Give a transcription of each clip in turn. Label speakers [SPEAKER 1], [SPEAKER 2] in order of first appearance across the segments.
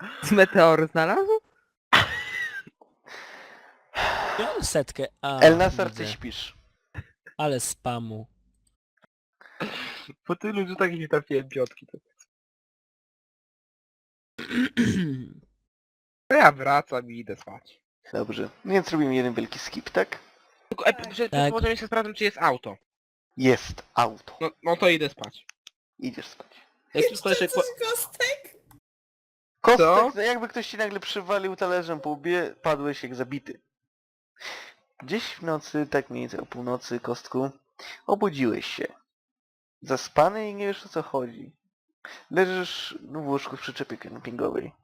[SPEAKER 1] Z meteoru znalazł?
[SPEAKER 2] Ja setkę. A,
[SPEAKER 3] Elnasar, ty
[SPEAKER 2] widzę.
[SPEAKER 3] śpisz.
[SPEAKER 2] Ale spamu.
[SPEAKER 1] Po tylu rzutach nie trafiłem piątki. To ja wracam i idę spać.
[SPEAKER 3] Dobrze, więc robimy jeden wielki skip, tak?
[SPEAKER 1] Tylko przed
[SPEAKER 2] Tak.
[SPEAKER 1] południem jeszcze sprawdzam, czy jest auto.
[SPEAKER 3] Jest auto.
[SPEAKER 1] No to idę spać.
[SPEAKER 3] Idziesz spać.
[SPEAKER 1] Jak wszystko jeszcze...
[SPEAKER 4] Coś kostek?
[SPEAKER 3] Kostek, jakby ktoś ci nagle przywalił talerzem po łbie, padłeś jak zabity. Gdzieś w nocy, tak mniej więcej o północy, Kostku, obudziłeś się. Zaspany i nie wiesz, o co chodzi. Leżysz w łóżku w przyczepie kempingowej.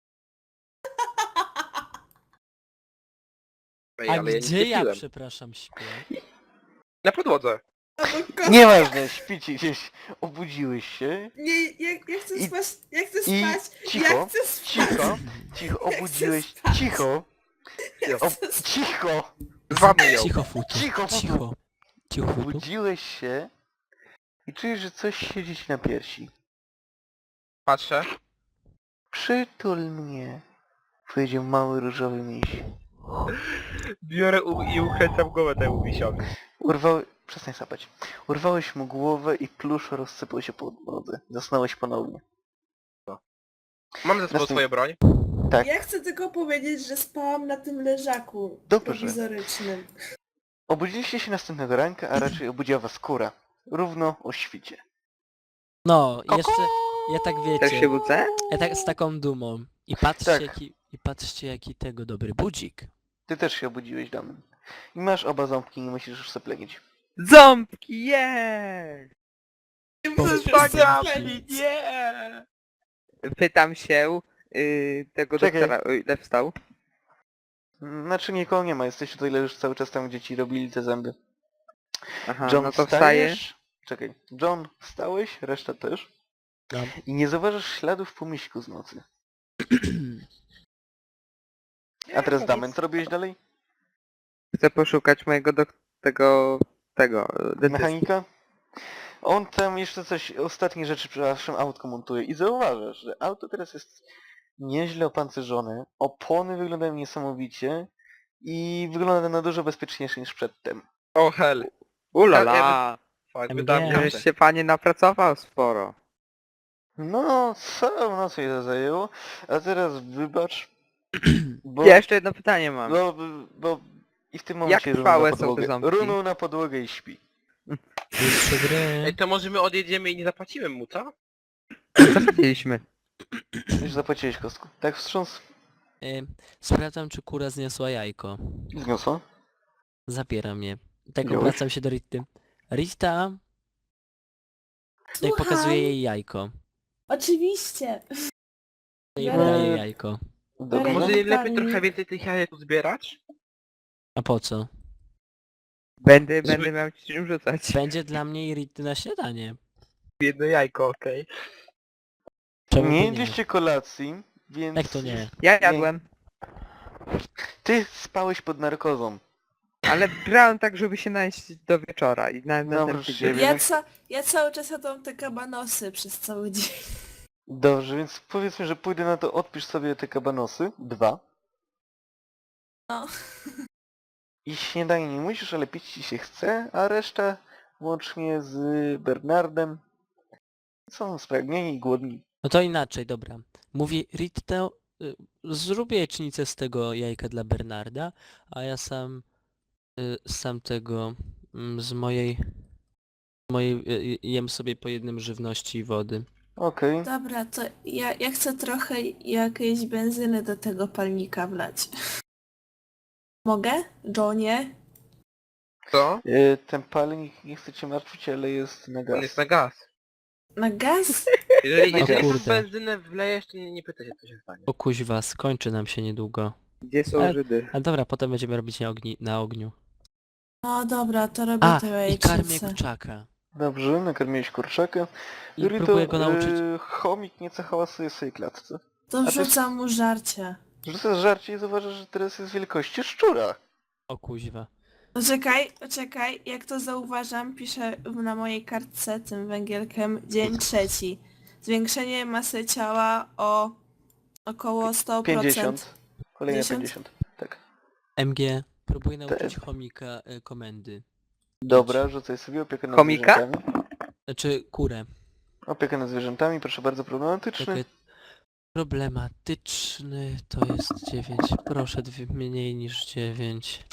[SPEAKER 1] Ej,
[SPEAKER 2] A
[SPEAKER 1] ale ja
[SPEAKER 2] gdzie
[SPEAKER 1] nie
[SPEAKER 2] ja,
[SPEAKER 1] piłem.
[SPEAKER 2] przepraszam, śpię?
[SPEAKER 1] Na podłodze.
[SPEAKER 3] Nieważne, śpicie gdzieś, obudziłeś się
[SPEAKER 4] Nie, ja chcę
[SPEAKER 3] I-
[SPEAKER 4] spać, ja chcę
[SPEAKER 3] i
[SPEAKER 4] spać,
[SPEAKER 3] cicho,
[SPEAKER 4] ja chcę spać.
[SPEAKER 3] cicho, obudziłeś,
[SPEAKER 4] spać.
[SPEAKER 3] cicho,
[SPEAKER 4] Ja
[SPEAKER 3] o,
[SPEAKER 4] chcę spać.
[SPEAKER 3] cicho,
[SPEAKER 1] Zwamy ją.
[SPEAKER 2] Cicho futu.
[SPEAKER 3] Cicho,
[SPEAKER 2] Cicho. Cicho futu.
[SPEAKER 3] obudziłeś się i czujesz, że coś siedzi ci na piersi.
[SPEAKER 1] Patrzę.
[SPEAKER 3] Przytul mnie, powiedział mały różowy miś.
[SPEAKER 1] Biorę i ukręcam głowę temu misiowi.
[SPEAKER 3] Przestań sapać. Urwałeś mu głowę i plusz rozsypał się po podłodze. Zasnąłeś ponownie.
[SPEAKER 1] Mam ze sobą
[SPEAKER 3] Następ-
[SPEAKER 1] swoją broń.
[SPEAKER 3] Tak,
[SPEAKER 4] Ja chcę tylko powiedzieć, że spałam na tym leżaku
[SPEAKER 3] Dobrze.
[SPEAKER 4] prowizorycznym.
[SPEAKER 3] obudziliście się następnego ranka, a raczej obudziła was kura. Równo o świcie.
[SPEAKER 2] No, jeszcze... Ja tak
[SPEAKER 1] Też się
[SPEAKER 2] wiecie.
[SPEAKER 1] budzę?
[SPEAKER 2] Ja tak z taką dumą. I patrzcie
[SPEAKER 3] Tak.
[SPEAKER 2] jaki tego dobry budzik.
[SPEAKER 3] Ty też się obudziłeś, Damian. I masz oba ząbki, nie musisz już zaplenić.
[SPEAKER 1] Ząbki, jest!
[SPEAKER 2] Ząbki,
[SPEAKER 1] nie! Pytam się tego
[SPEAKER 3] Czekaj.
[SPEAKER 1] doktora, o ile wstał.
[SPEAKER 3] Znaczy nikogo nie ma, jesteś tutaj, leżysz cały czas tam, gdzie ci robili te zęby.
[SPEAKER 1] Aha,
[SPEAKER 3] John,
[SPEAKER 1] no to wstaje.
[SPEAKER 3] wstajesz? Czekaj. John, wstałeś? Reszta też?
[SPEAKER 2] No.
[SPEAKER 3] I nie zauważasz śladów po miśku z nocy. A teraz Damian, co robiłeś dalej?
[SPEAKER 1] Chcę poszukać mojego tego dentysty.
[SPEAKER 3] Mechanika? On tam jeszcze coś, ostatnie rzeczy przy waszym autku montuje i zauważasz, że auto teraz jest nieźle opancerzone, opony wyglądają niesamowicie i wygląda na dużo bezpieczniejsze niż przedtem.
[SPEAKER 1] O hell. Ulala.
[SPEAKER 2] MG.
[SPEAKER 1] Wydam, żeś się panie napracował sporo.
[SPEAKER 3] No, całą noc jej to zajęło, a teraz wybacz, bo,
[SPEAKER 1] Ja jeszcze jedno pytanie mam.
[SPEAKER 3] bo i w tym momencie
[SPEAKER 1] trwałe są te
[SPEAKER 3] runął na
[SPEAKER 1] ząbki?
[SPEAKER 3] podłogę. Runął na podłogę i śpi.
[SPEAKER 2] Jeszcze gry.
[SPEAKER 1] Ej, to może my odjedziemy i nie zapłacimy mu, co? Zapłaciliśmy.
[SPEAKER 3] Już zapłaciłeś, Kostku. Tak wstrząs
[SPEAKER 2] Sprawdzam, czy kura zniosła jajko.
[SPEAKER 3] zniosła?
[SPEAKER 2] Zabiera mnie. Tak
[SPEAKER 3] Wziąłeś?
[SPEAKER 2] obracam się do Rity. Rita! Jak
[SPEAKER 4] Słucham.
[SPEAKER 2] pokazuje jej jajko.
[SPEAKER 4] Oczywiście.
[SPEAKER 2] Jej
[SPEAKER 4] Eee.
[SPEAKER 2] podaje jajko.
[SPEAKER 3] Dobrze.
[SPEAKER 1] Może
[SPEAKER 4] Pani-
[SPEAKER 1] lepiej trochę więcej tych jajek tu zbierać?
[SPEAKER 2] A po co?
[SPEAKER 1] Będę miał ci czym rzucać.
[SPEAKER 2] Będzie dla mnie i Rity na śniadanie.
[SPEAKER 1] Jedno jajko, okej.
[SPEAKER 2] Czemu
[SPEAKER 3] Nie
[SPEAKER 2] by
[SPEAKER 3] jedliście kolacji, więc...
[SPEAKER 2] Jak to nie?
[SPEAKER 1] Ja jadłem.
[SPEAKER 3] Ty spałeś pod narkozą.
[SPEAKER 1] Ale brałem tak, żeby się najeść do wieczora i na
[SPEAKER 3] Dobrze,
[SPEAKER 1] następny
[SPEAKER 3] siebie.
[SPEAKER 1] dzień.
[SPEAKER 4] Ja cały czas jadłam te kabanosy przez cały dzień.
[SPEAKER 3] Dobrze, więc powiedzmy, że pójdę na to, odpisz sobie te kabanosy. 2.
[SPEAKER 4] No.
[SPEAKER 3] I śniadanie nie musisz, ale pić ci się chce, a reszta łącznie z Bernardem są spragnieni i głodni.
[SPEAKER 2] No to inaczej, dobra. Mówi Rita, zrób jajecznicę z tego jajka dla Bernarda, a ja sam tego z mojej jem sobie po jednym żywności i wody.
[SPEAKER 3] Okej.
[SPEAKER 4] Dobra, to ja chcę trochę jakiejś benzyny do tego palnika wlać. Mogę? Johnie?
[SPEAKER 1] Co?
[SPEAKER 3] Ten palnik, nie chcę cię martwić, ale jest na
[SPEAKER 1] On
[SPEAKER 3] gaz.
[SPEAKER 1] jest na gaz.
[SPEAKER 4] Na gaz?
[SPEAKER 1] Jeżeli
[SPEAKER 2] O
[SPEAKER 1] tą
[SPEAKER 2] kurde.
[SPEAKER 1] benzynę wlejesz, to nie pytaj się, co się stanie.
[SPEAKER 2] O kuźwa, skończy nam się niedługo.
[SPEAKER 1] Gdzie są
[SPEAKER 2] Żydy? A dobra, potem będziemy robić na ogniu.
[SPEAKER 4] No dobra, to robię
[SPEAKER 2] A,
[SPEAKER 4] tę
[SPEAKER 2] i karmię
[SPEAKER 4] jajecznicę.
[SPEAKER 2] kurczaka.
[SPEAKER 3] Dobrze, nakarmiłeś kurczaka.
[SPEAKER 2] I próbuję go nauczyć.
[SPEAKER 3] Chomik nieco hałasuje w swojej klatce.
[SPEAKER 4] To
[SPEAKER 3] ty-
[SPEAKER 4] wrzucam mu żarcie.
[SPEAKER 3] Rzucasz żarcie i zauważasz, że teraz jest wielkości szczura.
[SPEAKER 2] O kuźwa.
[SPEAKER 4] Poczekaj, jak to zauważam, piszę na mojej kartce tym węgielkiem dzień 3. Zwiększenie masy ciała o Około 100%.
[SPEAKER 3] 50. Kolejne
[SPEAKER 4] 50?
[SPEAKER 3] 50. Tak.
[SPEAKER 2] MG, próbuj nauczyć chomika komendy.
[SPEAKER 3] Dobra, rzucaj sobie opiekę nad
[SPEAKER 1] Chomika?
[SPEAKER 3] zwierzętami.
[SPEAKER 2] Znaczy kurę.
[SPEAKER 3] Opiekę nad zwierzętami, proszę bardzo, problematyczny.
[SPEAKER 2] Czekaj. Problematyczny to jest 9. Proszę, mniej niż 9.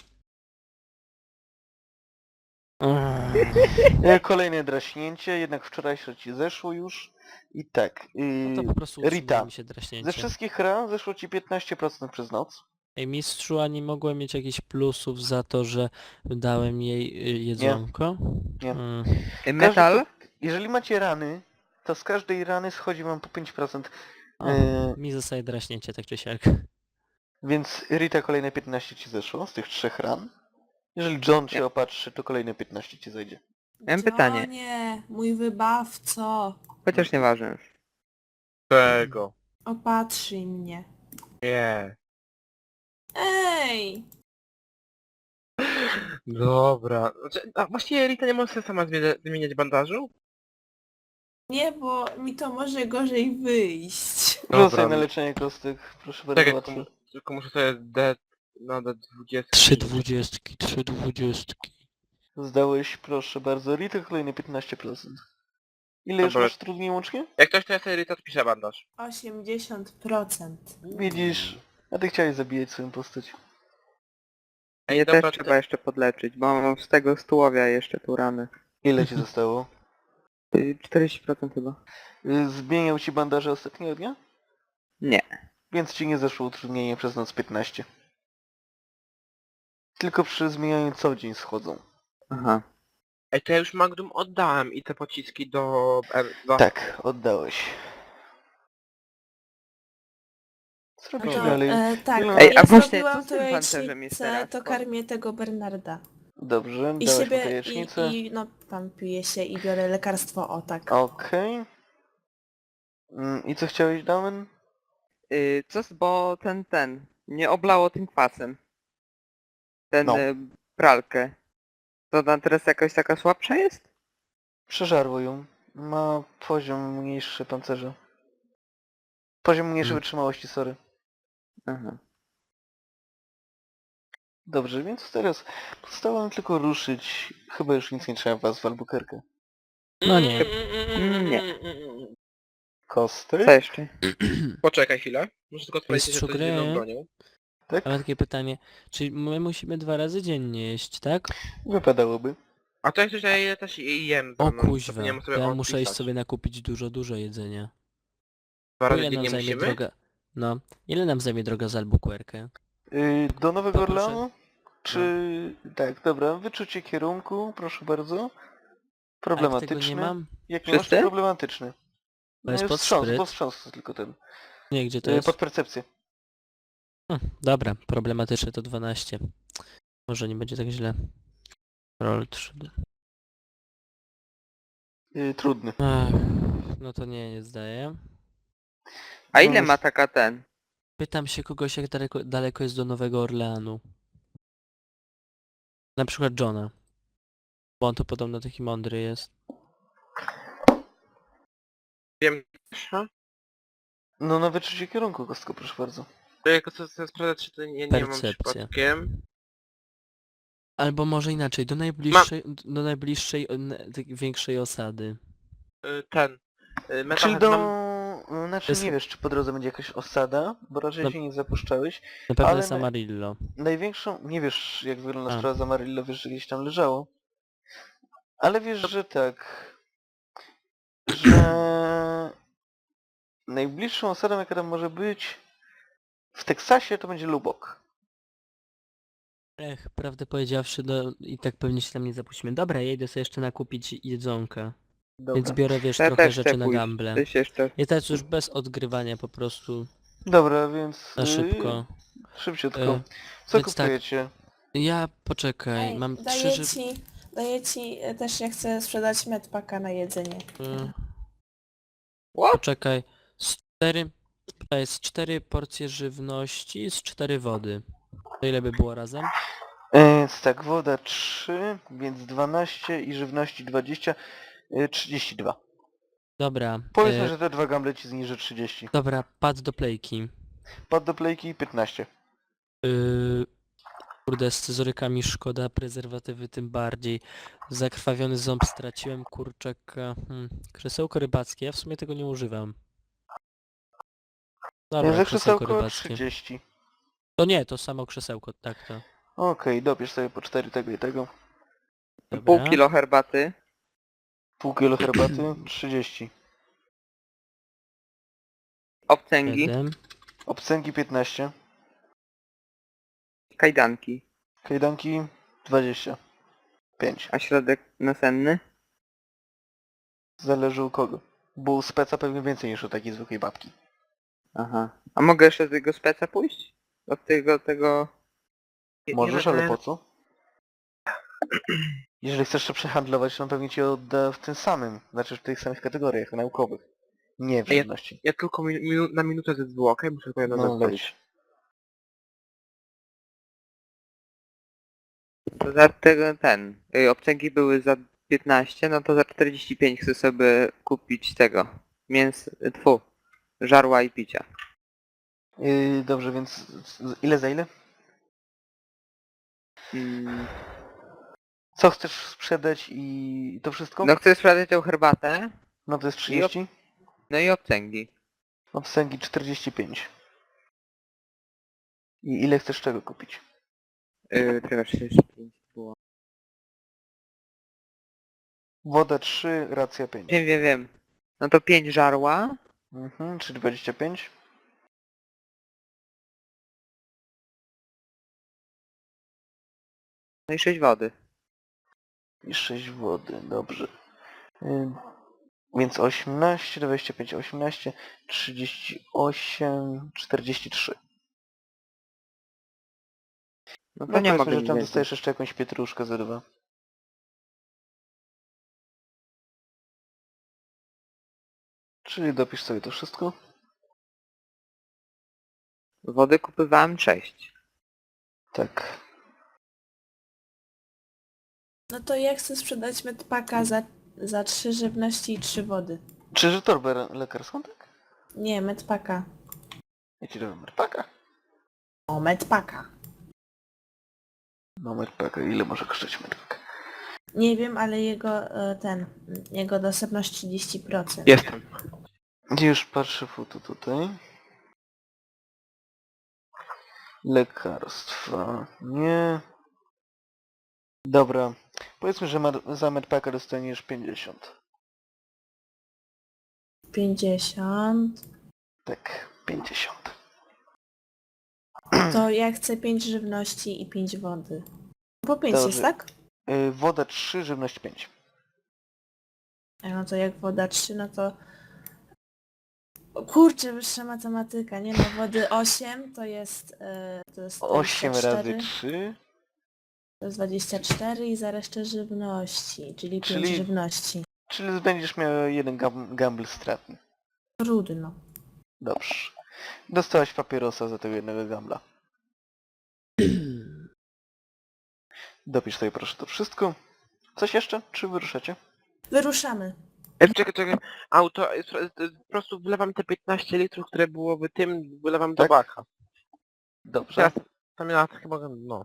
[SPEAKER 3] Kolejne draśnięcie, jednak wczorajsze ci zeszło już. I tak.
[SPEAKER 2] No to po prostu
[SPEAKER 3] Rita,
[SPEAKER 2] utrzymuje mi się
[SPEAKER 3] ze
[SPEAKER 2] draśnięcie.
[SPEAKER 3] wszystkich ran zeszło ci 15% przez noc.
[SPEAKER 2] Ej, mistrzu, a nie mogłem mieć jakichś plusów za to, że dałem jej jedzonko?
[SPEAKER 3] Nie.
[SPEAKER 1] Metal?
[SPEAKER 3] Jeżeli macie rany, to z każdej rany schodzi wam po 5%.
[SPEAKER 2] O,
[SPEAKER 3] Yy,
[SPEAKER 2] mi zostaje draśnięcie, tak czy siak.
[SPEAKER 3] Więc Rita kolejne 15 ci zeszło z tych 3 ran. Jeżeli John cię opatrzy, to kolejne 15 ci zejdzie.
[SPEAKER 1] Mam pytanie.
[SPEAKER 4] Nie, mój wybawco.
[SPEAKER 1] Chociaż nieważne już.
[SPEAKER 5] Tego.
[SPEAKER 4] Opatrzyj mnie.
[SPEAKER 5] Nie.
[SPEAKER 4] Ej!
[SPEAKER 5] Dobra. Znaczy, a właściwie Rita nie może sobie sama zmieniać bandażu?
[SPEAKER 4] Nie, bo mi to może gorzej wyjść.
[SPEAKER 3] Rzucaj na leczenie kostek, proszę bardzo,
[SPEAKER 5] Tak,
[SPEAKER 3] łatwo.
[SPEAKER 5] tylko muszę sobie na D20.
[SPEAKER 2] 3 dwudziestki, 3 dwudziestki.
[SPEAKER 3] Zdałeś, proszę bardzo, Rita kolejne 15%. Ile już
[SPEAKER 5] Dobra.
[SPEAKER 3] masz trudniej łącznie?
[SPEAKER 5] Jak ktoś to ja sobie Rita odpisze bandaż.
[SPEAKER 4] 80%.
[SPEAKER 3] Widzisz, a ty chciałeś zabijać swoją postać.
[SPEAKER 1] Mnie
[SPEAKER 5] dobra,
[SPEAKER 1] też
[SPEAKER 5] to-
[SPEAKER 1] trzeba jeszcze podleczyć, bo mam z tego stułowia jeszcze tu rany.
[SPEAKER 3] Ile ci zostało?
[SPEAKER 1] 40% chyba.
[SPEAKER 3] Zmieniał ci bandaże ostatniego dnia?
[SPEAKER 1] Nie.
[SPEAKER 3] Więc ci nie zeszło utrudnienie przez noc 15. Tylko przy zmienianiu co dzień schodzą.
[SPEAKER 1] Aha.
[SPEAKER 5] Ej, to ja już Magnum oddałem i te pociski do...
[SPEAKER 3] Tak, oddałeś. Co robisz
[SPEAKER 4] To,
[SPEAKER 3] dalej?
[SPEAKER 4] tak,
[SPEAKER 3] Ej,
[SPEAKER 1] a
[SPEAKER 4] ja
[SPEAKER 1] właśnie,
[SPEAKER 4] zrobiłam
[SPEAKER 1] co z
[SPEAKER 4] to
[SPEAKER 1] tym pancerzem jest
[SPEAKER 4] jajecznicę,
[SPEAKER 1] teraz?
[SPEAKER 4] to karmię tego Bernarda.
[SPEAKER 3] Dobrze,
[SPEAKER 4] I
[SPEAKER 3] dałeś mu
[SPEAKER 4] siebie,
[SPEAKER 3] jajecznicę.
[SPEAKER 4] no tam piję się i biorę lekarstwo, o tak.
[SPEAKER 3] Okej. I co chciałeś, Damen?
[SPEAKER 1] Bo ten, nie oblało tym kwasem. Ten
[SPEAKER 3] No.
[SPEAKER 1] pralkę. To ona teraz jakaś taka słabsza jest?
[SPEAKER 3] Przeżarło ją. Ma poziom mniejszy pancerza. Poziom mniejszej wytrzymałości, sorry.
[SPEAKER 1] Aha.
[SPEAKER 3] Dobrze, więc teraz pozostało nam tylko ruszyć. Chyba już nic nie trzeba was w Albuquerque.
[SPEAKER 2] No nie.
[SPEAKER 1] Nie.
[SPEAKER 3] Kosty?
[SPEAKER 1] Co jeszcze?
[SPEAKER 5] Poczekaj chwilę. Muszę tylko sprawdzić,
[SPEAKER 2] Mistrzu
[SPEAKER 5] że to jest z
[SPEAKER 2] gry.
[SPEAKER 5] jedną bronią.
[SPEAKER 3] Tak?
[SPEAKER 2] Ale takie pytanie, czy my musimy 2 razy dziennie jeść, tak?
[SPEAKER 3] Wypadałoby.
[SPEAKER 5] A to jest coś, że ja też jem.
[SPEAKER 2] O
[SPEAKER 5] no,
[SPEAKER 2] kuźwa,
[SPEAKER 5] zapomniałem
[SPEAKER 2] to
[SPEAKER 5] sobie
[SPEAKER 2] ja muszę iść
[SPEAKER 5] odpisać.
[SPEAKER 2] sobie nakupić dużo jedzenia.
[SPEAKER 5] 2 razy
[SPEAKER 2] Ile nam
[SPEAKER 5] dziennie
[SPEAKER 2] zajmie
[SPEAKER 5] musimy?
[SPEAKER 2] droga... No, ile nam zajmie droga z Albuquerque?
[SPEAKER 3] Do Nowego
[SPEAKER 2] To proszę.
[SPEAKER 3] Orleanu? Czy... Tak, dobra. Wyczucie kierunku, proszę bardzo.
[SPEAKER 2] A jak
[SPEAKER 3] Problematyczny.
[SPEAKER 2] tego nie mam?
[SPEAKER 3] Jak nie masz, to
[SPEAKER 1] Wszyscy?
[SPEAKER 3] problematyczny.
[SPEAKER 2] To jest pod
[SPEAKER 3] wstrząs,
[SPEAKER 2] spryt.
[SPEAKER 3] bo wstrząs to tylko ten.
[SPEAKER 2] Nie, gdzie to jest?
[SPEAKER 3] Pod percepcję.
[SPEAKER 2] Dobra, problematyczne to 12. Może nie będzie tak źle. Roll 3D.
[SPEAKER 3] Trudny.
[SPEAKER 2] Ach, no to nie zdaję.
[SPEAKER 1] A ile
[SPEAKER 3] No,
[SPEAKER 1] ma taka ten?
[SPEAKER 2] Pytam się kogoś, jak daleko jest do Nowego Orleanu. Na przykład Johna. Bo on to podobno taki mądry jest.
[SPEAKER 5] Wiem. Ha?
[SPEAKER 3] No na wyczucie kierunku, kostko, proszę bardzo.
[SPEAKER 5] To jako co sprawdzać, czy to nie mam
[SPEAKER 2] Percepcja.
[SPEAKER 5] przypadkiem.
[SPEAKER 2] Albo może inaczej, do najbliższej większej osady.
[SPEAKER 5] Ten. Metal
[SPEAKER 3] Czyli
[SPEAKER 5] Head
[SPEAKER 3] do...
[SPEAKER 5] mam...
[SPEAKER 3] Znaczy
[SPEAKER 2] Jest-
[SPEAKER 3] nie wiesz, czy po drodze będzie jakaś osada, bo raczej
[SPEAKER 2] No.
[SPEAKER 3] się nie zapuszczałeś.
[SPEAKER 2] Na pewno
[SPEAKER 3] Ale
[SPEAKER 2] jest Amarillo.
[SPEAKER 3] Największą... Nie wiesz, jak wygląda
[SPEAKER 2] A.
[SPEAKER 3] sprawa z Amarillo, wiesz, że gdzieś tam leżało. Ale wiesz, że tak... Że... Najbliższą osadą, jaka tam może być... W Teksasie to będzie Lubbock.
[SPEAKER 2] Prawdę powiedziawszy, no i tak pewnie się tam nie zapuścimy. Dobra, ja idę sobie jeszcze nakupić jedzonka.
[SPEAKER 3] Dobra.
[SPEAKER 2] Więc biorę, wiesz,
[SPEAKER 1] Ja
[SPEAKER 2] trochę
[SPEAKER 1] też
[SPEAKER 2] rzeczy
[SPEAKER 1] chcę
[SPEAKER 2] na
[SPEAKER 1] pójść.
[SPEAKER 2] gamble.
[SPEAKER 1] Coś jeszcze.
[SPEAKER 2] I teraz już bez odgrywania po prostu
[SPEAKER 3] Dobra, więc...
[SPEAKER 2] na szybko.
[SPEAKER 3] Szybciutko.
[SPEAKER 2] Y,
[SPEAKER 3] Co
[SPEAKER 2] więc tak.
[SPEAKER 3] kupujecie?
[SPEAKER 2] Ja poczekaj,
[SPEAKER 4] Ej,
[SPEAKER 2] mam 3
[SPEAKER 4] daję ci, też ja chcę sprzedać medpaka na jedzenie.
[SPEAKER 2] Poczekaj. 4 porcje żywności z 4 wody. To ile by było razem?
[SPEAKER 3] Więc tak, woda 3, więc 12 i żywności 20, 32.
[SPEAKER 2] Dobra.
[SPEAKER 3] Powiedzmy, że te dwa gamble ci zniży 30.
[SPEAKER 2] Dobra, pad do playki.
[SPEAKER 3] Pad do plejki 15.
[SPEAKER 2] Kurde, z scyzorykami szkoda, prezerwatywy tym bardziej. Zakrwawiony ząb straciłem, kurczaka. Krzesełko rybackie, ja w sumie tego nie używam. Dobra,
[SPEAKER 3] Że
[SPEAKER 2] krzesełko
[SPEAKER 3] krzesełko
[SPEAKER 2] rybackie.
[SPEAKER 3] 30.
[SPEAKER 2] To nie, to samo krzesełko, tak to.
[SPEAKER 3] Okej, dobierz sobie po 4 tego i tego.
[SPEAKER 2] Dobra.
[SPEAKER 5] Pół kilo herbaty.
[SPEAKER 3] Pół kilo herbaty 30.
[SPEAKER 5] Obcęgi.
[SPEAKER 2] 7.
[SPEAKER 3] Obcęgi 15.
[SPEAKER 5] Kajdanki.
[SPEAKER 3] Kajdanki 25.
[SPEAKER 5] A środek nasenny?
[SPEAKER 3] Zależy u kogo. Bo u speca pewnie więcej niż u takiej zwykłej babki.
[SPEAKER 5] Aha. A mogę jeszcze do tego speca pójść? Od tego...
[SPEAKER 3] Możesz, ale po co? Jeżeli chcesz to przehandlować, to on pewnie ci odda w tym samym, znaczy w tych samych kategoriach naukowych. Nie w
[SPEAKER 5] A ja-
[SPEAKER 3] żywności.
[SPEAKER 5] Ja tylko na minutę ze dwóch, okej? Muszę tylko jedno
[SPEAKER 3] No
[SPEAKER 5] odpowiedź.
[SPEAKER 3] leć.
[SPEAKER 5] To za tego obcęgi były za 15, no to za 45 chcę sobie kupić tego. Żarła i picia.
[SPEAKER 3] Dobrze, więc ile za ile?
[SPEAKER 5] Mm,
[SPEAKER 3] Co chcesz sprzedać i to wszystko?
[SPEAKER 5] no chcę sprzedać tą herbatę,
[SPEAKER 3] No to jest 30.
[SPEAKER 5] no i obcęgi.
[SPEAKER 3] Obsęgi 45. I ile chcesz czego kupić?
[SPEAKER 5] Czekaj, 45 było.
[SPEAKER 3] Woda 3, racja 5.
[SPEAKER 5] Wiem. No to 5 żarła.
[SPEAKER 3] Czyli 25.
[SPEAKER 5] No i 6 wody.
[SPEAKER 3] I 6 wody, dobrze. Więc 18, 25, 18, 38, 43.
[SPEAKER 5] No to
[SPEAKER 3] No
[SPEAKER 5] nie
[SPEAKER 3] powiedzmy,
[SPEAKER 5] mogę
[SPEAKER 3] że
[SPEAKER 5] nic
[SPEAKER 3] tam
[SPEAKER 5] więcej.
[SPEAKER 3] dostajesz jeszcze jakąś pietruszkę za 2. Czyli dopisz sobie to wszystko.
[SPEAKER 5] Wody kupywałem 6.
[SPEAKER 3] Tak.
[SPEAKER 4] No to ja chcę sprzedać medpaka za 3 żywności i 3 wody.
[SPEAKER 3] Czyży torbę lekarską, tak?
[SPEAKER 4] Nie, medpaka.
[SPEAKER 3] Ja ci dałem merpaka.
[SPEAKER 4] O, medpaka.
[SPEAKER 3] No merpaka, ile może kosztować merpaka?
[SPEAKER 4] Nie wiem, ale jego dostępność 30%.
[SPEAKER 5] Jestem.
[SPEAKER 3] Już patrzę foto tutaj. Lekarstwa. Nie. Dobra. Powiedzmy, że za medpaka dostaniesz 50.
[SPEAKER 4] 50.
[SPEAKER 3] Tak, 50.
[SPEAKER 4] To ja chcę 5 żywności i 5 wody. Po 5
[SPEAKER 3] Dobrze.
[SPEAKER 4] jest, tak?
[SPEAKER 3] Woda 3, żywność 5.
[SPEAKER 4] No to jak woda 3, no to... O kurczę, wyższa matematyka, nie no, wody 8 to jest... To jest
[SPEAKER 3] 8 razy
[SPEAKER 4] 24,
[SPEAKER 3] 3.
[SPEAKER 4] to jest 24 i za resztę żywności, czyli 5
[SPEAKER 3] Czyli-
[SPEAKER 4] żywności.
[SPEAKER 3] Czyli będziesz miał jeden gamble stratny.
[SPEAKER 4] Trudno.
[SPEAKER 3] Dobrze. Dostałaś papierosa za tego jednego gambla. Dopisz sobie proszę to wszystko. Coś jeszcze? Czy wyruszacie?
[SPEAKER 4] Wyruszamy.
[SPEAKER 5] Czekaj. Auto, po prostu wlewam te 15 litrów, które było w tym, wlewam do
[SPEAKER 3] Tak?
[SPEAKER 5] bacha.
[SPEAKER 3] Dobrze.
[SPEAKER 5] Teraz tam ja chyba, no.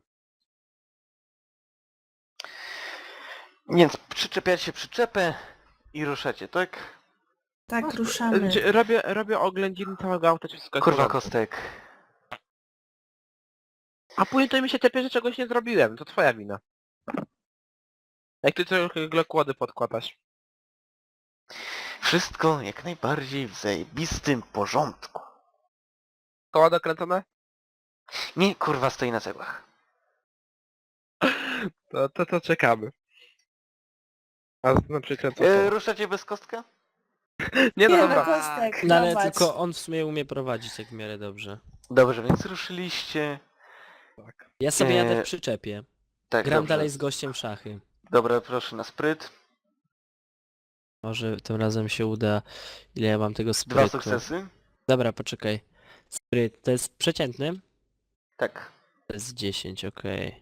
[SPEAKER 3] Więc przyczepiacie przyczepę i ruszacie, tak?
[SPEAKER 4] Tak, ruszamy.
[SPEAKER 5] Robię oględziny całego auta, czy wszystko jest w
[SPEAKER 3] Kurwa
[SPEAKER 5] porządku.
[SPEAKER 3] kostek.
[SPEAKER 5] A później to mi się tepie, że czegoś nie zrobiłem, to twoja wina. Jak ty trochę glokłody podkładasz.
[SPEAKER 3] Wszystko jak najbardziej w zajebistym porządku.
[SPEAKER 5] Koła dokręcone?
[SPEAKER 3] Nie, kurwa, stoi na cegłach.
[SPEAKER 5] To czekamy. A na przykład co?
[SPEAKER 3] Ruszacie bez kostka?
[SPEAKER 5] Nie no
[SPEAKER 4] Nie,
[SPEAKER 5] dobra.
[SPEAKER 4] no kostek,
[SPEAKER 2] No ale
[SPEAKER 4] prowadź.
[SPEAKER 2] tylko on w sumie umie prowadzić jak w miarę dobrze.
[SPEAKER 3] Dobrze, więc ruszyliście.
[SPEAKER 5] Tak.
[SPEAKER 2] Ja sobie jadę
[SPEAKER 3] Eee,
[SPEAKER 2] w przyczepie.
[SPEAKER 3] Tak,
[SPEAKER 2] Gram
[SPEAKER 3] dobrze.
[SPEAKER 2] dalej z gościem w szachy.
[SPEAKER 3] Dobra, proszę na spryt.
[SPEAKER 2] Może tym razem się uda. Ile ja mam tego
[SPEAKER 3] 2
[SPEAKER 2] sprytu?
[SPEAKER 3] sukcesy.
[SPEAKER 2] Dobra, poczekaj. Spryt, to jest przeciętny?
[SPEAKER 3] Tak.
[SPEAKER 2] To jest 10, okej.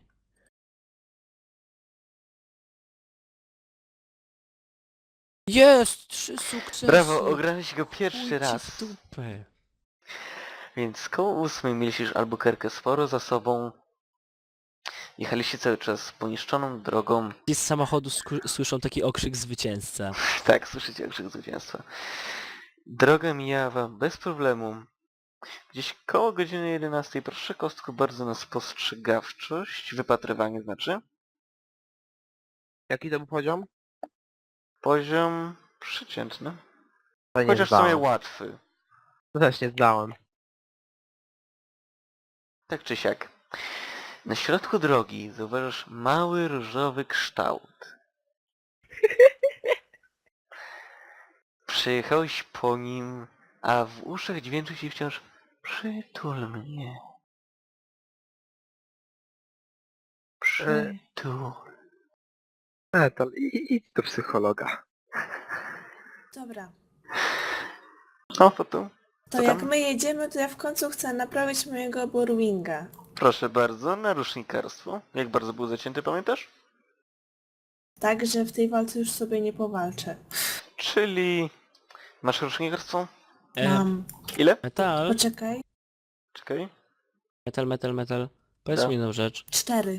[SPEAKER 2] Jest! 3 sukcesy!
[SPEAKER 3] Brawo, ograłeś go pierwszy
[SPEAKER 2] Chuj ci
[SPEAKER 3] raz.
[SPEAKER 2] w dupę.
[SPEAKER 3] Więc koło 8 mieliście już Albuquerque sporo za sobą. Jechaliście cały czas poniszczoną drogą.
[SPEAKER 2] I z samochodu słyszą taki okrzyk zwycięzca.
[SPEAKER 3] Tak, słyszycie okrzyk zwycięstwa. Droga mijała wam bez problemu. Gdzieś koło godziny 11. Proszę kostku bardzo na spostrzegawczość. Wypatrywanie znaczy.
[SPEAKER 5] Jaki to był poziom?
[SPEAKER 3] Poziom przeciętny.
[SPEAKER 5] To nie
[SPEAKER 3] Chociaż w sumie
[SPEAKER 5] zdałem.
[SPEAKER 3] łatwy.
[SPEAKER 5] To też nie zdałem.
[SPEAKER 3] Tak czy siak. Na środku drogi zauważasz mały różowy kształt. Przejechałeś po nim, a w uszach dźwięczy się wciąż przytul mnie. Przytul.
[SPEAKER 5] To idź do psychologa.
[SPEAKER 4] Dobra.
[SPEAKER 3] No to tu.
[SPEAKER 4] To
[SPEAKER 3] Co
[SPEAKER 4] jak
[SPEAKER 3] tam?
[SPEAKER 4] my jedziemy, to ja w końcu chcę naprawić mojego Borwinga.
[SPEAKER 3] Proszę bardzo, narusznikarstwo. Jak bardzo był zacięty, pamiętasz?
[SPEAKER 4] Tak, że w tej walce już sobie nie powalczę.
[SPEAKER 3] Czyli... Masz rusznikarstwo?
[SPEAKER 4] Mam.
[SPEAKER 3] Ile?
[SPEAKER 2] Metal,
[SPEAKER 4] Poczekaj.
[SPEAKER 3] Czekaj.
[SPEAKER 2] metal. Powiedz
[SPEAKER 3] Tak.
[SPEAKER 2] mi jedną rzecz.
[SPEAKER 4] 4.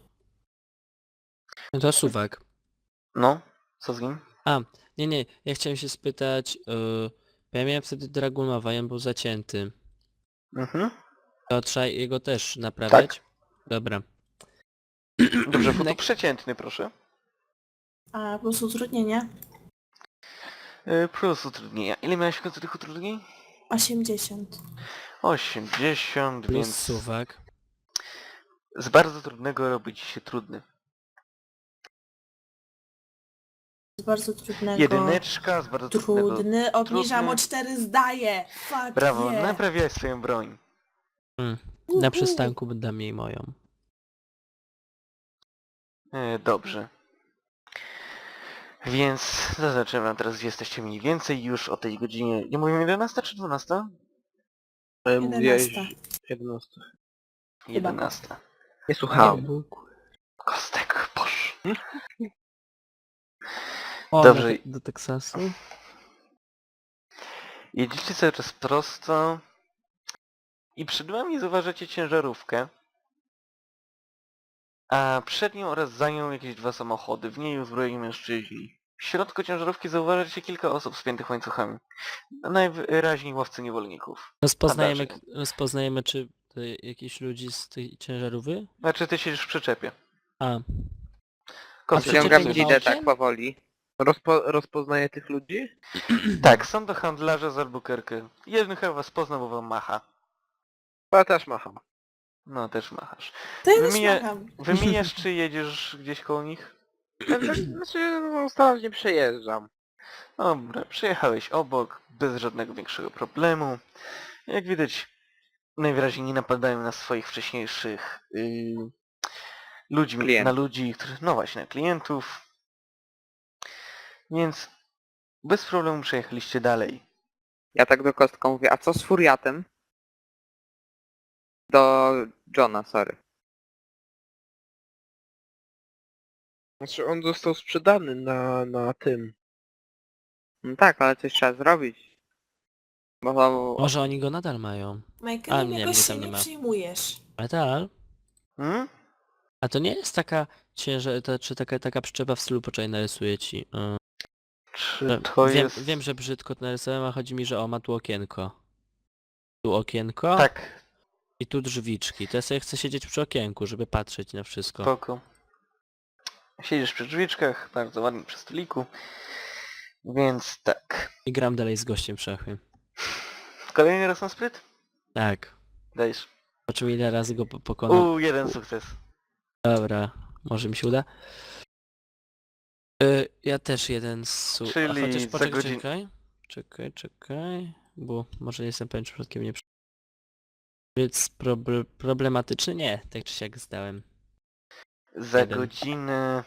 [SPEAKER 2] No to suwak.
[SPEAKER 3] No, co z nim?
[SPEAKER 2] Nie, ja chciałem się spytać, bo ja miałem wtedy Dragunowa, on był zacięty.
[SPEAKER 3] Mhm.
[SPEAKER 2] To trzeba jego też naprawiać? Dobra.
[SPEAKER 3] Dobrze, foto
[SPEAKER 2] Tak.
[SPEAKER 3] przeciętny, proszę.
[SPEAKER 4] A plus utrudnienia?
[SPEAKER 3] Plus utrudnienia. Ile miałeś w końcu tych utrudnień?
[SPEAKER 4] 80.
[SPEAKER 3] 80,
[SPEAKER 2] Plus
[SPEAKER 3] więc
[SPEAKER 2] suwak.
[SPEAKER 3] z bardzo trudnego robi ci się trudny.
[SPEAKER 4] Z bardzo trudnego.
[SPEAKER 3] Jedyneczka z bardzo trudnego.
[SPEAKER 4] Trudny. Obniżam
[SPEAKER 3] Trudny.
[SPEAKER 4] o 4, zdaję. Fuck
[SPEAKER 3] Brawo,
[SPEAKER 4] yeah.
[SPEAKER 3] naprawiałeś swoją broń.
[SPEAKER 2] Na przystanku dam jej moją.
[SPEAKER 3] Dobrze. Więc zaznaczę wam teraz, gdzie jesteście mniej więcej już o tej godzinie. Nie mówię 11 czy 12?
[SPEAKER 5] Mówiłeś
[SPEAKER 4] 11.
[SPEAKER 5] 11.
[SPEAKER 3] 11.
[SPEAKER 5] Nie słuchałem.
[SPEAKER 3] Kostek, posz.
[SPEAKER 2] O,
[SPEAKER 3] Dobrze.
[SPEAKER 2] do Teksasu?
[SPEAKER 3] Jedziecie cały czas prosto i przed wami zauważacie ciężarówkę, a przed nią oraz za nią jakieś 2 samochody, w niej uzbrojeni mężczyźni. W środku ciężarówki zauważacie kilka osób spiętych łańcuchami. Najwyraźniej łowcy niewolników.
[SPEAKER 2] Rozpoznajemy czy to jakichś ludzi z tej ciężarówki?
[SPEAKER 3] Znaczy ty siedzisz w przyczepie.
[SPEAKER 2] A,
[SPEAKER 3] Kostek,
[SPEAKER 2] Ściągam
[SPEAKER 5] Ściągam
[SPEAKER 2] przyczepie
[SPEAKER 5] gidę
[SPEAKER 2] autem?
[SPEAKER 5] tak powoli. Rozpoznaję tych ludzi?
[SPEAKER 3] Tak, są to handlarze z Albuquerque. Jeden chyba was poznał, bo wam macha.
[SPEAKER 5] Ja też macham.
[SPEAKER 3] No, też machasz.
[SPEAKER 4] To ja też
[SPEAKER 3] Wymienię-
[SPEAKER 4] macham.
[SPEAKER 3] Wymieniasz, czy jedziesz gdzieś koło nich?
[SPEAKER 5] Znaczy, no, starannie przejeżdżam.
[SPEAKER 3] Dobra, przyjechałeś obok, bez żadnego większego problemu. Jak widać, najwyraźniej nie napadają na swoich wcześniejszych
[SPEAKER 5] Klientów.
[SPEAKER 3] ludzi, no właśnie, na klientów. Więc bez problemu przejechaliście dalej.
[SPEAKER 6] Ja tak do Kostka mówię, a co z Furiatem? Do Johna, sorry.
[SPEAKER 5] Znaczy, on został sprzedany na tym.
[SPEAKER 6] No tak, ale coś trzeba zrobić. Bo
[SPEAKER 2] może oni go nadal mają.
[SPEAKER 4] Michael,
[SPEAKER 2] nie,
[SPEAKER 4] jakoś
[SPEAKER 2] mnie
[SPEAKER 4] się
[SPEAKER 2] tam nie
[SPEAKER 4] nie
[SPEAKER 2] ma.
[SPEAKER 4] przyjmujesz.
[SPEAKER 2] Metal?
[SPEAKER 3] Hmm?
[SPEAKER 2] A to nie jest taka czy taka przyczepa w stylu, poczekaj, narysuję ci.
[SPEAKER 3] Czy to jest...
[SPEAKER 2] Wiem, że brzydko to narysowałem, a chodzi mi, że ma tu okienko. Tu okienko
[SPEAKER 3] Tak,
[SPEAKER 2] i tu drzwiczki. To ja sobie chcę siedzieć przy okienku, żeby patrzeć na wszystko.
[SPEAKER 3] spoko. Siedzisz przy drzwiczkach, bardzo ładnie przy stoliku. Więc tak.
[SPEAKER 2] I gram dalej z gościem w szachy.
[SPEAKER 3] Kolejny raz na spryt?
[SPEAKER 2] Tak.
[SPEAKER 3] Dajesz.
[SPEAKER 2] Zobaczymy ile razy go pokonam.
[SPEAKER 3] Jeden sukces.
[SPEAKER 2] Dobra, może mi się uda. Ja też jeden
[SPEAKER 3] Czyli
[SPEAKER 2] chociaż
[SPEAKER 3] za
[SPEAKER 2] poczekaj, czekaj, bo może nie jestem pewien, czy przypadkiem nie... Więc problematyczny? Nie, tak czy siak zdałem.
[SPEAKER 3] Za
[SPEAKER 2] Jeden.
[SPEAKER 3] godzinę...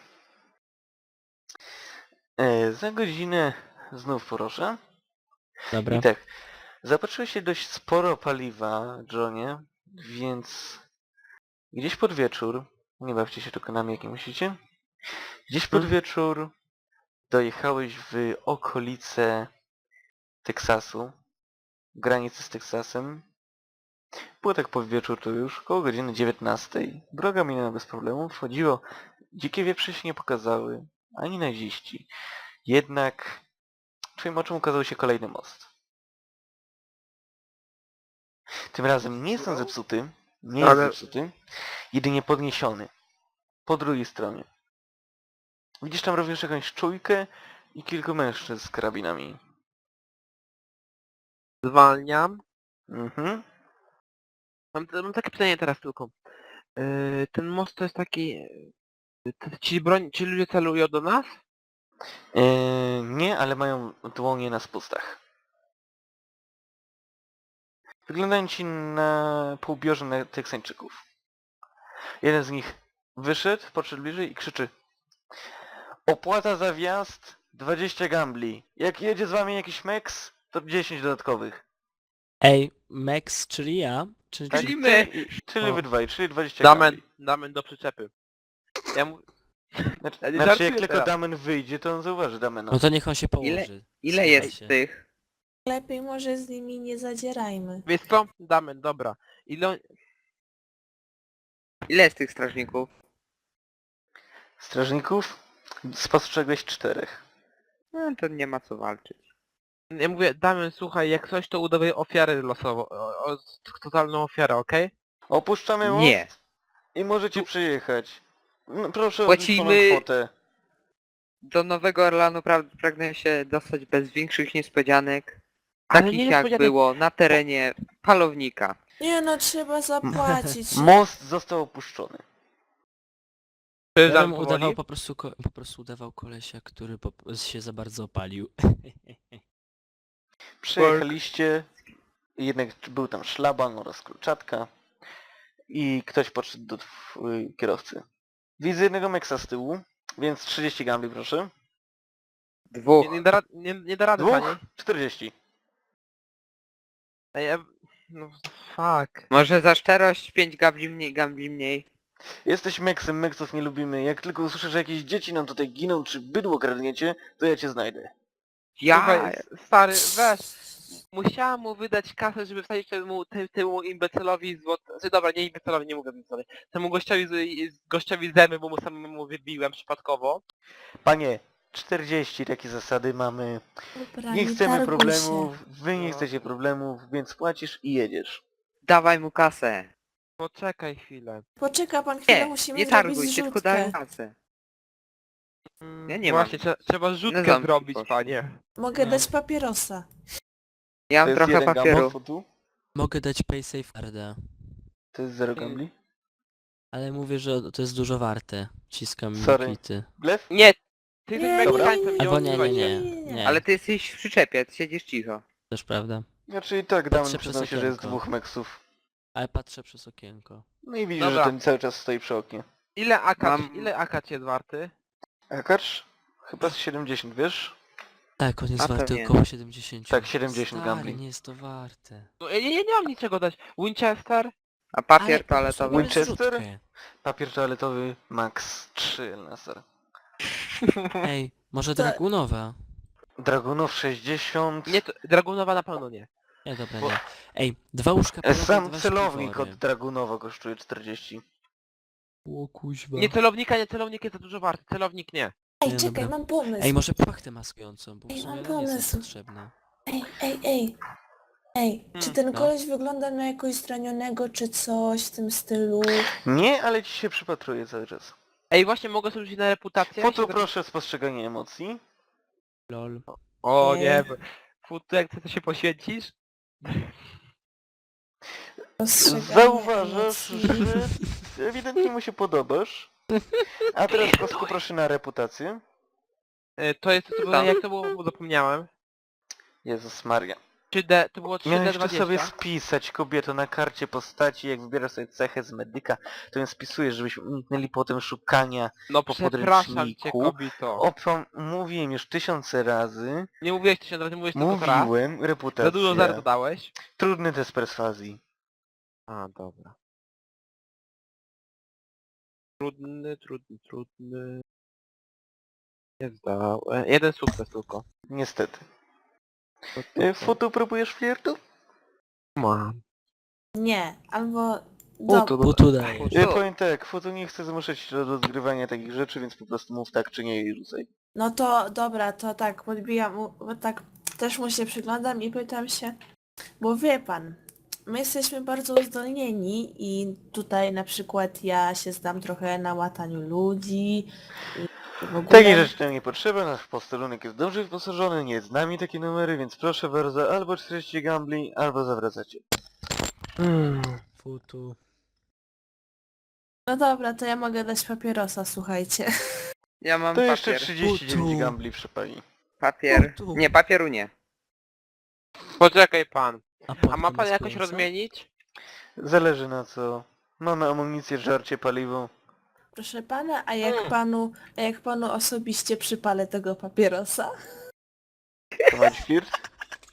[SPEAKER 3] Za godzinę znów proszę.
[SPEAKER 2] Dobra.
[SPEAKER 3] I tak, zapatrzyłeś się dość sporo paliwa, Johnie, więc gdzieś pod wieczór, nie bawcie się tylko nami jak nie musicie, gdzieś pod wieczór dojechałeś w okolice Teksasu, granicy z Teksasem Było tak po wieczór, to już koło godziny 19. Droga minęła bez problemu, wchodziło. Dzikie wieprze się nie pokazały, ani naziści. Jednak twoim oczom ukazał się kolejny most. Tym razem nie jest on zepsuty, nie jest
[SPEAKER 5] Ale-
[SPEAKER 3] zepsuty, jedynie podniesiony. Po drugiej stronie. Widzisz tam również jakąś czujkę i kilku mężczyzn z karabinami.
[SPEAKER 5] Zwalniam.
[SPEAKER 3] Mhm.
[SPEAKER 5] Mam takie pytanie teraz tylko. Ten most to jest taki... Ci ludzie celują do nas?
[SPEAKER 3] Nie, ale mają dłonie na spustach. Wyglądają ci na półbiorze na Teksańczyków. Jeden z nich wyszedł, podszedł bliżej i krzyczy: opłata za wjazd 20 gambli. Jak jedzie z wami jakiś meks, to 10 dodatkowych.
[SPEAKER 2] Ej, Max, czyli ja? Czy,
[SPEAKER 3] Tak?
[SPEAKER 2] czy...
[SPEAKER 5] my.
[SPEAKER 3] Czyli
[SPEAKER 2] O.
[SPEAKER 3] wy dwaj, czyli 20
[SPEAKER 5] Damen,
[SPEAKER 3] gambli.
[SPEAKER 5] damen do przyczepy. Ja mu...
[SPEAKER 3] Znaczy,
[SPEAKER 5] Ja nie
[SPEAKER 3] znaczy
[SPEAKER 5] żartuję
[SPEAKER 3] jak tylko
[SPEAKER 5] teraz.
[SPEAKER 3] Damen wyjdzie, to on zauważy Damena.
[SPEAKER 2] No to niech on się położy.
[SPEAKER 6] Ile
[SPEAKER 2] Słuchaj
[SPEAKER 6] jest
[SPEAKER 2] się.
[SPEAKER 6] tych?
[SPEAKER 4] Lepiej może z nimi nie zadzierajmy.
[SPEAKER 5] Wiesz co? Damen, dobra.
[SPEAKER 6] Ile jest tych strażników?
[SPEAKER 3] Strażników spostrzegłeś 4.
[SPEAKER 6] No to nie ma co walczyć.
[SPEAKER 5] Ja mówię, Damen, słuchaj, jak coś to udawaj ofiarę losową. Totalną ofiarę, okej?
[SPEAKER 3] Opuszczamy most
[SPEAKER 6] Nie.
[SPEAKER 3] i możecie przyjechać. No, proszę o
[SPEAKER 6] Płacimy-
[SPEAKER 3] zliczoną kwotę.
[SPEAKER 6] Do Nowego Orlanu pragnę się dostać bez większych niespodzianek.
[SPEAKER 5] Ale
[SPEAKER 6] Takich
[SPEAKER 5] nie
[SPEAKER 6] jak
[SPEAKER 5] niespodzianek.
[SPEAKER 6] było na terenie Palownika.
[SPEAKER 4] Nie no, trzeba zapłacić.
[SPEAKER 3] Most został opuszczony.
[SPEAKER 2] Ja
[SPEAKER 5] Przejeżdżam
[SPEAKER 2] bym
[SPEAKER 5] powoli.
[SPEAKER 2] udawał po prostu udawał kolesia, który się za bardzo opalił.
[SPEAKER 3] Przejechaliście, jednak był tam szlaban oraz kluczatka i ktoś podszedł do kierowcy. Widzę jednego meksa z tyłu, więc 30 gambli proszę.
[SPEAKER 6] Dwóch.
[SPEAKER 5] Nie da rady, panie.
[SPEAKER 3] 40.
[SPEAKER 5] Ej, no fuck.
[SPEAKER 6] Może za szczerość 5 gambli mniej.
[SPEAKER 3] Jesteś meksem, meksów nie lubimy. Jak tylko usłyszę, że jakieś dzieci nam tutaj giną, czy bydło kradniecie, to ja cię znajdę.
[SPEAKER 6] Ja...
[SPEAKER 5] Słuchaj, stary, weź. Musiałam mu wydać kasę, żeby wsadzić temu imbecylowi złote... Znaczy, dobra, nie imbecylowi, nie mówię imbecylowi. Temu gościowi zęby, bo mu samemu wybiłem przypadkowo.
[SPEAKER 3] Panie, 40 takie zasady mamy.
[SPEAKER 4] Dobra,
[SPEAKER 3] Nie chcemy
[SPEAKER 4] targuj
[SPEAKER 3] problemów,
[SPEAKER 4] się.
[SPEAKER 3] wy nie chcecie problemów, więc płacisz i jedziesz.
[SPEAKER 6] Dawaj mu kasę.
[SPEAKER 5] Poczekaj chwilę.
[SPEAKER 4] Poczeka pan chwilę,
[SPEAKER 6] Nie,
[SPEAKER 4] musimy
[SPEAKER 6] nie
[SPEAKER 4] zrobić
[SPEAKER 6] targuj się, tylko
[SPEAKER 4] zrzutkę.
[SPEAKER 6] daj kasę. Ja nie
[SPEAKER 5] Właśnie,
[SPEAKER 6] mam.
[SPEAKER 5] trzeba
[SPEAKER 6] Nie
[SPEAKER 5] rzutkę
[SPEAKER 6] znam
[SPEAKER 5] zrobić,
[SPEAKER 6] poszło.
[SPEAKER 5] panie.
[SPEAKER 4] Mogę
[SPEAKER 2] No.
[SPEAKER 4] dać papierosa.
[SPEAKER 6] Ja
[SPEAKER 3] To
[SPEAKER 6] mam
[SPEAKER 3] jest
[SPEAKER 6] trochę
[SPEAKER 3] jeden
[SPEAKER 6] papieru.
[SPEAKER 3] gambol fotu,
[SPEAKER 2] Mogę dać paysafe carda,
[SPEAKER 3] to jest 0 gambli.
[SPEAKER 2] ale mówię, że to jest dużo warte. Ciskam
[SPEAKER 3] Sorry.
[SPEAKER 2] kwity.
[SPEAKER 3] Blef?
[SPEAKER 5] Nie! Ty
[SPEAKER 4] Nie,
[SPEAKER 5] jesteś Meksykańcem, nie
[SPEAKER 2] Albo nie,
[SPEAKER 5] odzywaj się.
[SPEAKER 2] nie.
[SPEAKER 6] Ale ty jesteś w przyczepie, ty siedzisz cicho.
[SPEAKER 2] Też prawda.
[SPEAKER 3] Znaczy i tak Damen
[SPEAKER 2] Patrzę
[SPEAKER 3] przyznał
[SPEAKER 2] przez
[SPEAKER 3] się, że jest
[SPEAKER 2] okienko.
[SPEAKER 3] 2 meksów.
[SPEAKER 2] Ale patrzę przez okienko.
[SPEAKER 3] No i widzisz,
[SPEAKER 5] Dobra.
[SPEAKER 3] że ten cały czas stoi przy oknie.
[SPEAKER 5] Ile
[SPEAKER 6] Mam-
[SPEAKER 5] akacz jest warty?
[SPEAKER 3] Akacz? Chyba z 70, wiesz?
[SPEAKER 2] Tak, on jest
[SPEAKER 6] A to
[SPEAKER 2] warty
[SPEAKER 6] nie.
[SPEAKER 2] około 70.
[SPEAKER 3] Tak, 70
[SPEAKER 2] Stary,
[SPEAKER 3] gambli.
[SPEAKER 2] nie jest to warte.
[SPEAKER 5] No, ja nie mam niczego dać. Winchester?
[SPEAKER 6] A papier
[SPEAKER 2] Ale po prostu
[SPEAKER 6] toaletowy?
[SPEAKER 2] mamy
[SPEAKER 3] Winchester?
[SPEAKER 2] zrzutkę.
[SPEAKER 3] Papier toaletowy max 3 laser.
[SPEAKER 2] Ej, może
[SPEAKER 4] To-
[SPEAKER 2] Dragunowa?
[SPEAKER 3] Dragunów 60.
[SPEAKER 5] Nie, Dragunowa na pewno nie.
[SPEAKER 2] Nie, dobra,
[SPEAKER 3] Bo-
[SPEAKER 2] nie. Ej, 2 łóżka polowe,
[SPEAKER 3] Sam
[SPEAKER 2] 2
[SPEAKER 3] celownik
[SPEAKER 2] śpiwory.
[SPEAKER 3] od Dragunowa kosztuje 40.
[SPEAKER 2] O kuźwa.
[SPEAKER 5] Nie, celownik jest za dużo warty. Celownik nie.
[SPEAKER 4] Ej,
[SPEAKER 2] Nie,
[SPEAKER 4] czekaj,
[SPEAKER 2] dobra.
[SPEAKER 4] mam pomysł.
[SPEAKER 2] Ej, może płachtę maskującą, bo w
[SPEAKER 4] Ej,
[SPEAKER 2] sumie
[SPEAKER 4] mam
[SPEAKER 2] ona nie jest
[SPEAKER 4] pomysł.
[SPEAKER 2] potrzebna.
[SPEAKER 4] Ej. Ej, czy ten
[SPEAKER 2] no.
[SPEAKER 4] koleś wygląda na jakoś zranionego, czy coś w tym stylu?
[SPEAKER 3] Nie, ale ci się przypatruje cały czas.
[SPEAKER 5] Ej, właśnie mogę sobie rzucić na reputację?
[SPEAKER 3] Foto proszę spostrzeganie emocji.
[SPEAKER 2] Lol.
[SPEAKER 5] O
[SPEAKER 4] Nie.
[SPEAKER 5] nie. Futu, jak ty to się poświęcisz?
[SPEAKER 4] Postrzeganie
[SPEAKER 3] Zauważasz,
[SPEAKER 4] emocji.
[SPEAKER 3] że ewidentnie mu się podobasz. A teraz kostku proszę na reputację.
[SPEAKER 5] To jest, to było, jak to było, bo zapomniałem.
[SPEAKER 3] Jezus Maria.
[SPEAKER 5] 3D, to było
[SPEAKER 3] Miałeś to
[SPEAKER 5] 3D20.
[SPEAKER 3] sobie spisać, kobieto, na karcie postaci, jak wybierasz sobie cechę z medyka, to ją spisujesz, żebyśmy uniknęli potem szukania
[SPEAKER 5] No
[SPEAKER 3] po
[SPEAKER 5] przepraszam cię,
[SPEAKER 3] podręczniku.
[SPEAKER 5] kobito.
[SPEAKER 3] Mówiłem już 1000 razy,
[SPEAKER 5] Nie mówiłeś 1000 razy, mówiłeś tylko raz.
[SPEAKER 3] mówiłem,
[SPEAKER 5] Za
[SPEAKER 3] reputacja.
[SPEAKER 5] dużo zer dodałeś.
[SPEAKER 3] Trudny test perswazji.
[SPEAKER 5] A, dobra. Trudny. Nie zdałem. Jeden sukces tylko.
[SPEAKER 3] Niestety.
[SPEAKER 5] To-
[SPEAKER 3] Foto próbujesz flirtu?
[SPEAKER 5] Mam.
[SPEAKER 4] Nie, albo...
[SPEAKER 3] Futu,
[SPEAKER 2] Putu daje.
[SPEAKER 3] Ja powiem tak, Futu nie chce zmuszać do rozgrywania takich rzeczy, więc po prostu mów tak czy nie i rzucaj.
[SPEAKER 4] No to dobra, to tak, podbijam, bo tak też mu się przyglądam i pytam się, bo wie pan, my jesteśmy bardzo uzdolnieni i tutaj na przykład ja się znam trochę na łataniu ludzi i w ogóle...
[SPEAKER 3] Takiej rzeczy nam nie potrzeba, nasz posterunek jest dobrze wyposażony, nie jest z nami takie numery, więc proszę bardzo, albo 40 gambli, albo zawracacie.
[SPEAKER 2] Futu.
[SPEAKER 4] No dobra, to ja mogę dać papierosa, słuchajcie.
[SPEAKER 6] Ja mam
[SPEAKER 3] To jeszcze
[SPEAKER 6] papier.
[SPEAKER 3] 39
[SPEAKER 2] Futu.
[SPEAKER 3] gambli przypali.
[SPEAKER 6] Papier.
[SPEAKER 2] Futu.
[SPEAKER 6] Nie, papieru nie.
[SPEAKER 5] Poczekaj pan. A
[SPEAKER 2] podki
[SPEAKER 5] ma pan
[SPEAKER 2] nie
[SPEAKER 5] jakoś
[SPEAKER 2] spłyną, co?
[SPEAKER 5] rozmienić?
[SPEAKER 3] Zależy na co. Mamy amunicję, żarcie, paliwo.
[SPEAKER 4] Proszę pana, a jak panu osobiście przypalę tego papierosa?
[SPEAKER 3] To ma być flirt?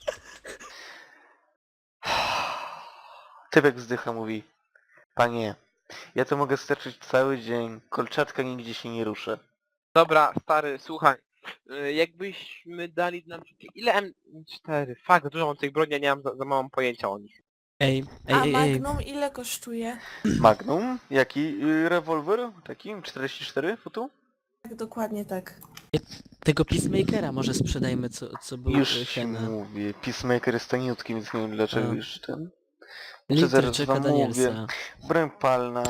[SPEAKER 3] Typek wzdycha, mówi: panie, ja to mogę sterczyć cały dzień, kolczatka nigdzie się nie ruszy.
[SPEAKER 5] Dobra, stary, słuchaj. Jakbyśmy dali nam... Ile M4? Fakt, dużo mam tych broni, ja nie mam za mało pojęcia o nich.
[SPEAKER 2] Ej,
[SPEAKER 4] A
[SPEAKER 2] ej.
[SPEAKER 4] Magnum ile kosztuje?
[SPEAKER 3] Magnum? Jaki rewolwer? Taki? 44 futu?
[SPEAKER 4] Tak, dokładnie tak.
[SPEAKER 2] Tego Peacemakera może sprzedajmy, co był
[SPEAKER 3] Już ci
[SPEAKER 2] Hena.
[SPEAKER 3] mówię, Peacemaker jest taniutki, więc nie wiem dlaczego
[SPEAKER 2] A.
[SPEAKER 3] już ten.
[SPEAKER 2] Liter
[SPEAKER 3] zaraz
[SPEAKER 2] czeka
[SPEAKER 3] wam
[SPEAKER 2] Danielsa.
[SPEAKER 3] mówię. Broń palna.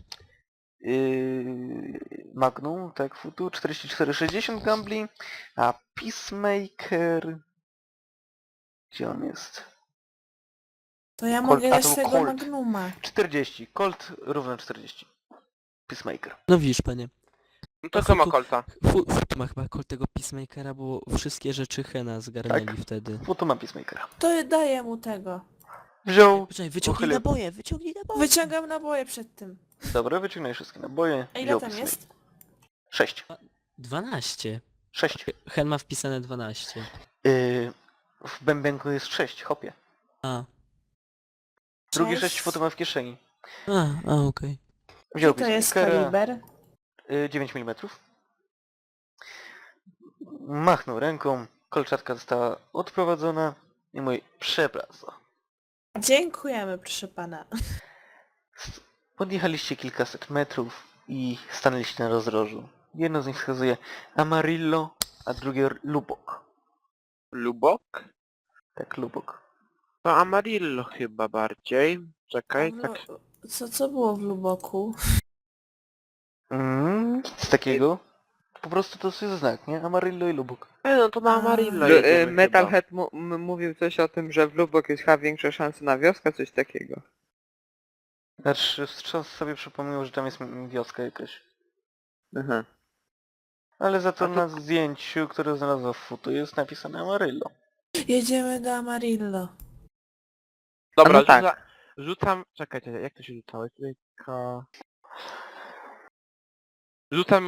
[SPEAKER 3] Magnum, tak, futu, 44,60 gambli, a Peacemaker... Gdzie on jest?
[SPEAKER 4] To ja
[SPEAKER 3] Colt-
[SPEAKER 4] mogę
[SPEAKER 3] a
[SPEAKER 4] dać
[SPEAKER 3] to był
[SPEAKER 4] tego
[SPEAKER 3] Colt.
[SPEAKER 4] Magnuma.
[SPEAKER 3] 40, Colt równo 40. Peacemaker.
[SPEAKER 2] No widzisz, panie.
[SPEAKER 5] No to co ma
[SPEAKER 2] Futu-
[SPEAKER 5] kolca?
[SPEAKER 2] Futu ma chyba kol tego Peacemakera, bo wszystkie rzeczy Hena zgarnęli
[SPEAKER 3] Tak.
[SPEAKER 2] wtedy.
[SPEAKER 3] Futu ma Peacemakera.
[SPEAKER 4] To daję mu tego.
[SPEAKER 3] Wziął...
[SPEAKER 2] Poczekaj, wyciągnij
[SPEAKER 3] Pochylił.
[SPEAKER 2] naboje, wyciągnij naboje.
[SPEAKER 4] Wyciągam naboje przed tym.
[SPEAKER 3] Dobra, wyciągnij wszystkie naboje.
[SPEAKER 4] A ile
[SPEAKER 3] wziął
[SPEAKER 4] tam
[SPEAKER 3] Peacemaker.
[SPEAKER 4] jest?
[SPEAKER 3] 6.
[SPEAKER 2] 12.
[SPEAKER 3] 6.
[SPEAKER 2] Hen ma wpisane 12.
[SPEAKER 3] W bębenku jest 6, hopie.
[SPEAKER 2] A.
[SPEAKER 3] Drugie 6
[SPEAKER 4] Cześć.
[SPEAKER 3] futu ma w kieszeni.
[SPEAKER 2] Okej.
[SPEAKER 3] Wziął
[SPEAKER 4] I to jest
[SPEAKER 3] Peacemakera.
[SPEAKER 4] kaliber.
[SPEAKER 3] 9 mm. Machnął ręką, kolczatka została odprowadzona i mój przepraszam.
[SPEAKER 4] Dziękujemy, proszę pana.
[SPEAKER 3] Podjechaliście kilkaset metrów i stanęliście na rozdrożu. Jedno z nich wskazuje Amarillo, a drugie Lubok.
[SPEAKER 5] Lubok?
[SPEAKER 3] Tak, Lubok.
[SPEAKER 5] To Amarillo chyba bardziej. Czekaj, tak.
[SPEAKER 4] Co było w Luboku?
[SPEAKER 3] Nic takiego. Po prostu to jest znak, nie? Amarillo i Lubok.
[SPEAKER 5] No to na Amarillo
[SPEAKER 6] Lu-
[SPEAKER 5] jedziemy
[SPEAKER 6] Metalhead mówił coś o tym, że w Lubok jest chyba większa szansa na wioskę, coś takiego.
[SPEAKER 3] Znaczy, wstrząs sobie przypomniał, że tam jest wioska jakaś.
[SPEAKER 6] Aha.
[SPEAKER 3] Ale za to
[SPEAKER 6] A to-
[SPEAKER 3] na zdjęciu, które znalazłem w futu, jest napisane Amarillo.
[SPEAKER 4] Jedziemy do Amarillo.
[SPEAKER 5] Dobra,
[SPEAKER 6] A no tak.
[SPEAKER 5] rzucam... Czekajcie, jak to się rzucało? Rzucam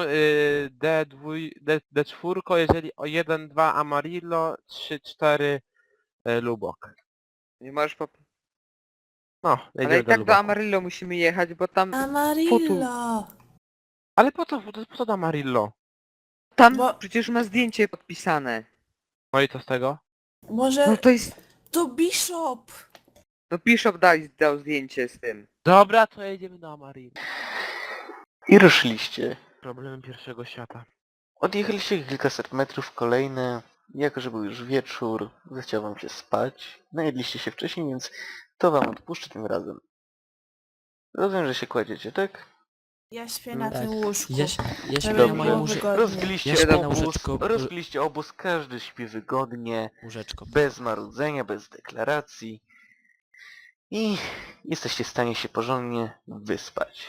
[SPEAKER 5] D4, jeżeli o 1, 2 Amarillo, 3, 4 Lubok.
[SPEAKER 6] Nie możesz
[SPEAKER 5] No, jedziemy
[SPEAKER 6] Ale i tak do
[SPEAKER 5] Luboku.
[SPEAKER 6] Amarillo musimy jechać, bo tam...
[SPEAKER 4] Amarillo!
[SPEAKER 5] Ale po co do Amarillo?
[SPEAKER 6] Tam
[SPEAKER 4] Bo-
[SPEAKER 6] przecież ma zdjęcie podpisane.
[SPEAKER 5] No i co z tego?
[SPEAKER 4] Może
[SPEAKER 6] No to jest...
[SPEAKER 4] to Bishop!
[SPEAKER 6] No Bishop dał zdjęcie z tym.
[SPEAKER 5] Dobra, to jedziemy do Amarillo.
[SPEAKER 3] I ruszyliście.
[SPEAKER 5] Problemy pierwszego świata.
[SPEAKER 3] Odjechaliście kilkaset metrów, kolejne. Jako, że był już wieczór, zechciał wam się spać. Najedliście się wcześniej, więc to wam odpuszczę tym razem. Rozumiem, że się kładziecie, tak?
[SPEAKER 4] Ja śpię na
[SPEAKER 2] Tak.
[SPEAKER 4] tym łóżku.
[SPEAKER 2] Ja
[SPEAKER 4] Żeby
[SPEAKER 2] śpię
[SPEAKER 3] Dobrze.
[SPEAKER 2] na moją
[SPEAKER 4] było wygodnie.
[SPEAKER 3] Rozbiliście
[SPEAKER 2] Ja śpię na
[SPEAKER 3] obóz,
[SPEAKER 2] łóżeczko,
[SPEAKER 3] rozbiliście obóz, każdy śpi wygodnie,
[SPEAKER 2] łóżeczko.
[SPEAKER 3] bez marudzenia, bez deklaracji. I jesteście w stanie się porządnie wyspać.